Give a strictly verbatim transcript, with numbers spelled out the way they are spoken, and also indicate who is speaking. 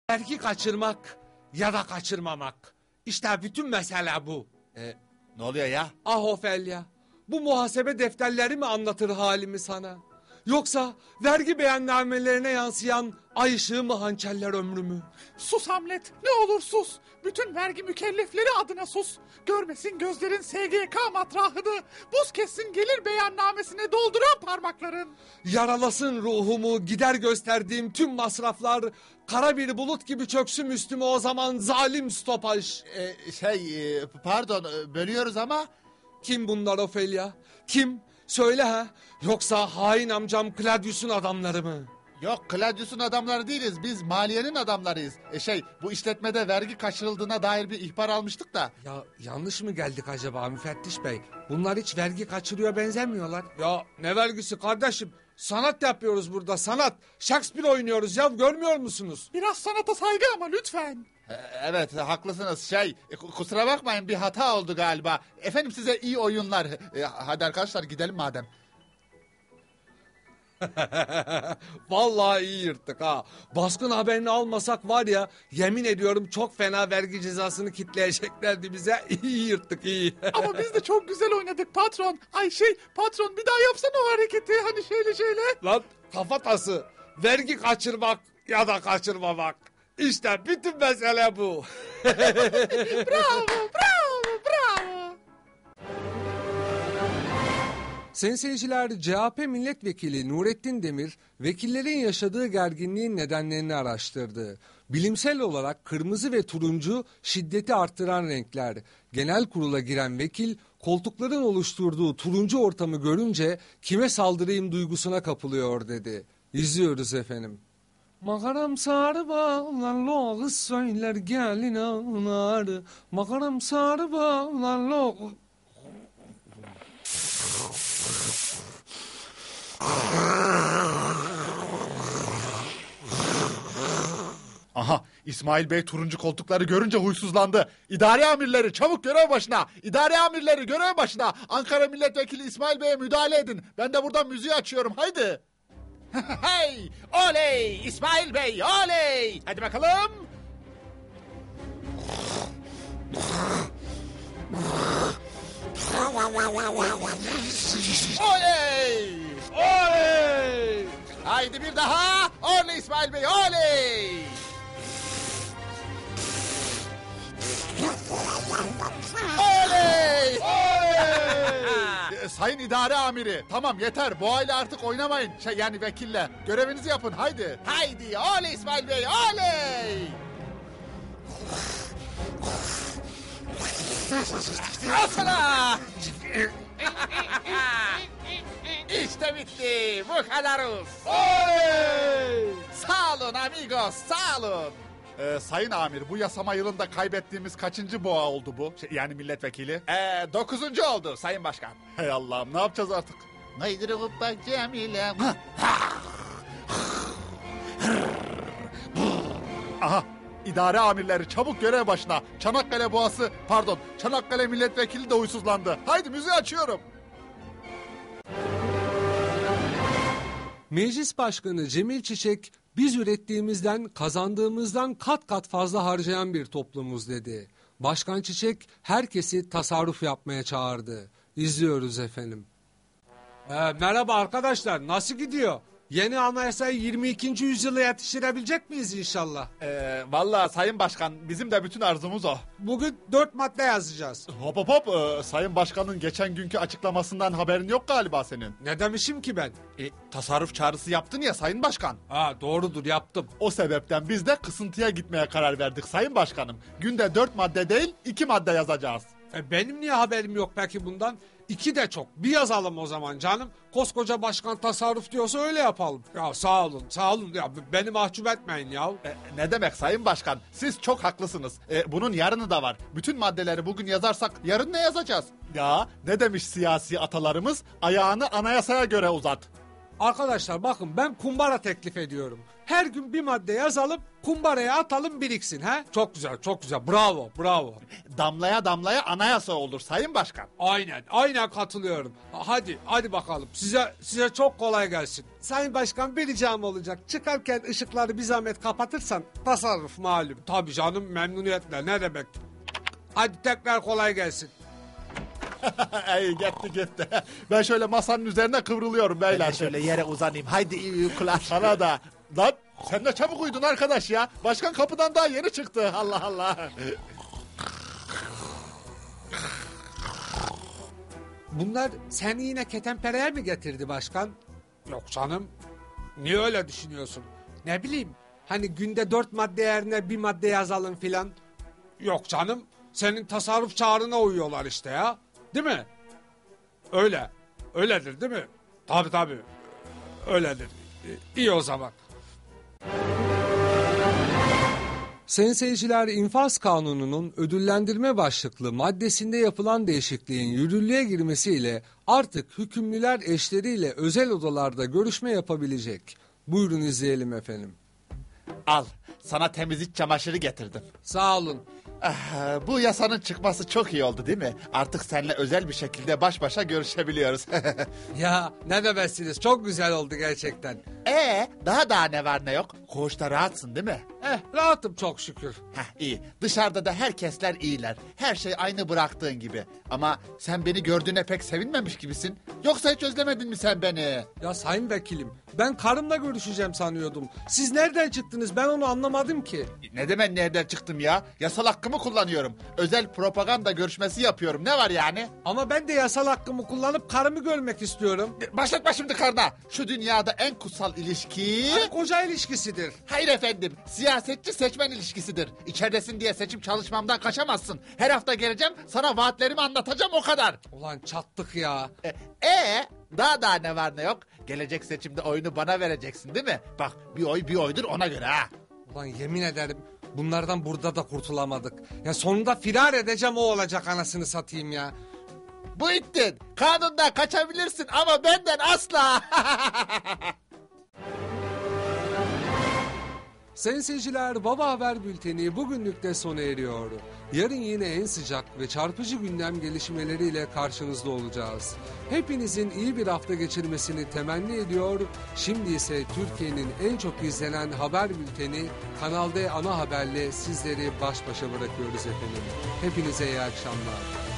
Speaker 1: Vergi kaçırmak ya da kaçırmamak. İşte bütün mesele bu.
Speaker 2: E, ne oluyor ya?
Speaker 1: Ah Ofelya, bu muhasebe defterleri mi anlatır halimi sana? Yoksa vergi beyannamelerine yansıyan ay ışığı mı hançerler ömrümü?
Speaker 3: Sus Hamlet, ne olur sus. Bütün vergi mükellefleri adına sus. Görmesin gözlerin S G K matrahını. Buz kessin gelir beyannamesine dolduran parmakların.
Speaker 1: Yaralasın ruhumu gider gösterdiğim tüm masraflar. Kara bir bulut gibi çöksün üstüme o zaman zalim stopaj.
Speaker 2: E, şey e, pardon e, bölüyoruz ama...
Speaker 1: Kim bunlar Ofelya? Kim? Söyle ha. Yoksa hain amcam Claudius'un adamları mı?
Speaker 2: Yok, Claudius'un adamları değiliz. Biz maliyenin adamlarıyız. E şey, bu işletmede vergi kaçırıldığına dair bir ihbar almıştık da.
Speaker 1: Ya yanlış mı geldik acaba müfettiş bey? Bunlar hiç vergi kaçırıyor benzemiyorlar. Ya ne vergisi kardeşim? Sanat yapıyoruz burada, sanat. Shakespeare oynuyoruz ya, görmüyor musunuz?
Speaker 3: Biraz sanata saygı ama lütfen.
Speaker 2: E, evet, haklısınız. Şey, e, kusura bakmayın, bir hata oldu galiba. Efendim, size iyi oyunlar. E, hadi arkadaşlar gidelim madem.
Speaker 1: Vallahi iyi yırttık ha. Baskın haberini almasak var ya, yemin ediyorum çok fena vergi cezasını kitleyeceklerdi bize. İyi yırttık, iyi.
Speaker 3: Ama biz de çok güzel oynadık patron. Ay şey patron, bir daha yapsana o hareketi. Hani şöyle şöyle.
Speaker 1: Lan kafatası, vergi kaçırmak ya da kaçırmamak. İşte bütün mesele bu.
Speaker 3: Bravo, bravo, bravo.
Speaker 1: Sayın seyirciler, C H P milletvekili Nurettin Demir, vekillerin yaşadığı gerginliğin nedenlerini araştırdı. Bilimsel olarak kırmızı ve turuncu şiddeti arttıran renkler. Genel kurula giren vekil, koltukların oluşturduğu turuncu ortamı görünce kime saldırayım duygusuna kapılıyor dedi. İzliyoruz efendim. Makaram sarı bağlar kız söyler gelin ağlar. Makaram sarı bağlar.
Speaker 2: Aha, İsmail Bey turuncu koltukları görünce huysuzlandı. İdare amirleri çabuk görev başına. İdare amirleri görev başına. Ankara Milletvekili İsmail Bey'e müdahale edin. Ben de buradan müziği açıyorum. Haydi. Hey! Oley! İsmail Bey, oley! Hadi bakalım. Oley!
Speaker 1: Oley!
Speaker 2: Haydi bir daha. Oley İsmail Bey, oley! Oley! Oley! Sayın idare amiri, tamam yeter. Bu aile artık oynamayın. Şey, yani vekille. Görevinizi yapın, haydi. Haydi, oley İsmail Bey, oley! Al sana! İşte bitti. Bu kadarız.
Speaker 1: Oley!
Speaker 2: Sağ olun amigos, sağ olun. Ee, sayın amir, bu yasama yılında kaybettiğimiz kaçıncı boğa oldu bu? Şey, yani milletvekili. Ee, dokuzuncu oldu sayın başkan. Hey Allah'ım, ne yapacağız artık? Naydırıp bak Cemile. Aha, idare amirleri çabuk görev başına. Çanakkale boğası, pardon, Çanakkale milletvekili de huysuzlandı. Haydi müziği açıyorum.
Speaker 1: Meclis Başkanı Cemil Çiçek, biz ürettiğimizden, kazandığımızdan kat kat fazla harcayan bir toplumuz dedi. Başkan Çiçek herkesi tasarruf yapmaya çağırdı. İzliyoruz efendim. Ee, merhaba arkadaşlar, nasıl gidiyor? Yeni anayasayı yirmi ikinci yüzyıla yetiştirebilecek miyiz inşallah?
Speaker 2: Ee, vallahi sayın başkan, bizim de bütün arzumuz o.
Speaker 1: Bugün dört madde yazacağız.
Speaker 2: Hop hop hop, ee, sayın başkanın geçen günkü açıklamasından haberin yok galiba senin.
Speaker 1: Ne demişim ki ben?
Speaker 2: E, tasarruf çağrısı yaptın ya sayın başkan.
Speaker 1: Ha, doğrudur, yaptım.
Speaker 2: O sebepten biz de kısıntıya gitmeye karar verdik sayın başkanım. Günde dört madde değil, iki madde yazacağız.
Speaker 1: E benim niye haberim yok peki bundan? İki de çok. Bir yazalım o zaman canım. Koskoca başkan tasarruf diyorsa öyle yapalım. Ya sağ olun, sağ olun. Ya beni mahcup etmeyin ya.
Speaker 2: E, ne demek sayın başkan? Siz çok haklısınız. E, bunun yarını da var. Bütün maddeleri bugün yazarsak yarın ne yazacağız? Ya ne demiş siyasi atalarımız? Ayağını anayasaya göre uzat.
Speaker 1: Arkadaşlar bakın ben kumbara teklif ediyorum. Her gün bir madde yazalım, kumbaraya atalım biriksin. He? Çok güzel, çok güzel. Bravo, bravo.
Speaker 2: Damlaya damlaya anayasa olur Sayın Başkan.
Speaker 1: Aynen, aynen katılıyorum. Hadi, hadi bakalım. Size size çok kolay gelsin. Sayın Başkan bir ricam olacak. Çıkarken ışıkları bir zahmet kapatırsan tasarruf malum. Tabii canım memnuniyetle ne demek. Hadi tekrar kolay gelsin.
Speaker 2: Ay gitti gitti. Ben şöyle masanın üzerine kıvrılıyorum beyler.
Speaker 4: Ben de şöyle yere uzanayım. Haydi iyi uykular.
Speaker 2: Bana da. Lan sen de çabuk uyudun arkadaş ya. Başkan kapıdan daha yeni çıktı. Allah Allah.
Speaker 1: Bunlar seni yine ketenpereye mi getirdi başkan? Yok canım. Niye öyle düşünüyorsun? Ne bileyim. Hani günde dört madde yerine bir madde yazalım filan. Yok canım. Senin tasarruf çağrına uyuyorlar işte ya. Değil mi? Öyle. Öyledir değil mi? Tabii tabii. Öyledir. İyi o zaman. Sayın seyirciler, infaz kanununun ödüllendirme başlıklı maddesinde yapılan değişikliğin yürürlüğe girmesiyle artık hükümlüler eşleriyle özel odalarda görüşme yapabilecek. Buyurun izleyelim efendim.
Speaker 2: Al sana temiz iç çamaşırı getirdim.
Speaker 1: Sağ olun.
Speaker 2: Ah, bu yasanın çıkması çok iyi oldu değil mi? Artık seninle özel bir şekilde baş başa görüşebiliyoruz.
Speaker 1: Ya ne demezsiniz, çok güzel oldu gerçekten.
Speaker 2: Ee, daha daha ne var ne yok? Koğuşta rahatsın değil mi?
Speaker 1: Eh, rahatım çok şükür.
Speaker 2: Heh, iyi. Dışarıda da herkesler iyiler. Her şey aynı bıraktığın gibi. Ama sen beni gördüğüne pek sevinmemiş gibisin. Yoksa hiç özlemedin mi sen beni?
Speaker 1: Ya sayın vekilim, ben karımla görüşeceğim sanıyordum. Siz nereden çıktınız, ben onu anlamadım ki.
Speaker 2: Ne demek nereden çıktım ya? Yasal hakkımı kullanıyorum. Özel propaganda görüşmesi yapıyorum. Ne var yani?
Speaker 1: Ama ben de yasal hakkımı kullanıp karımı görmek istiyorum.
Speaker 2: Başlatma şimdi karına. Şu dünyada en kutsal ilişki...
Speaker 1: Karı koca ilişkisidir.
Speaker 2: Hayır efendim. Siyasetçi seçmen ilişkisidir. İçeridesin diye seçim çalışmamdan kaçamazsın. Her hafta geleceğim, sana vaatlerimi anlatacağım, o kadar.
Speaker 1: Ulan çattık ya.
Speaker 2: E, ee, daha daha ne var ne yok? Gelecek seçimde oyunu bana vereceksin değil mi? Bak, bir oy bir oydur, ona göre ha.
Speaker 1: Ulan yemin ederim bunlardan burada da kurtulamadık. Ya sonunda firar edeceğim, o olacak anasını satayım ya.
Speaker 2: Bu ittin. Kanundan kaçabilirsin ama benden asla.
Speaker 1: Sayın seyirciler, Baba Haber Bülteni bugünlük de sona eriyor. Yarın yine en sıcak ve çarpıcı gündem gelişmeleriyle karşınızda olacağız. Hepinizin iyi bir hafta geçirmesini temenni ediyor. Şimdi ise Türkiye'nin en çok izlenen haber bülteni Kanal D ana haberle sizleri baş başa bırakıyoruz efendim. Hepinize iyi akşamlar.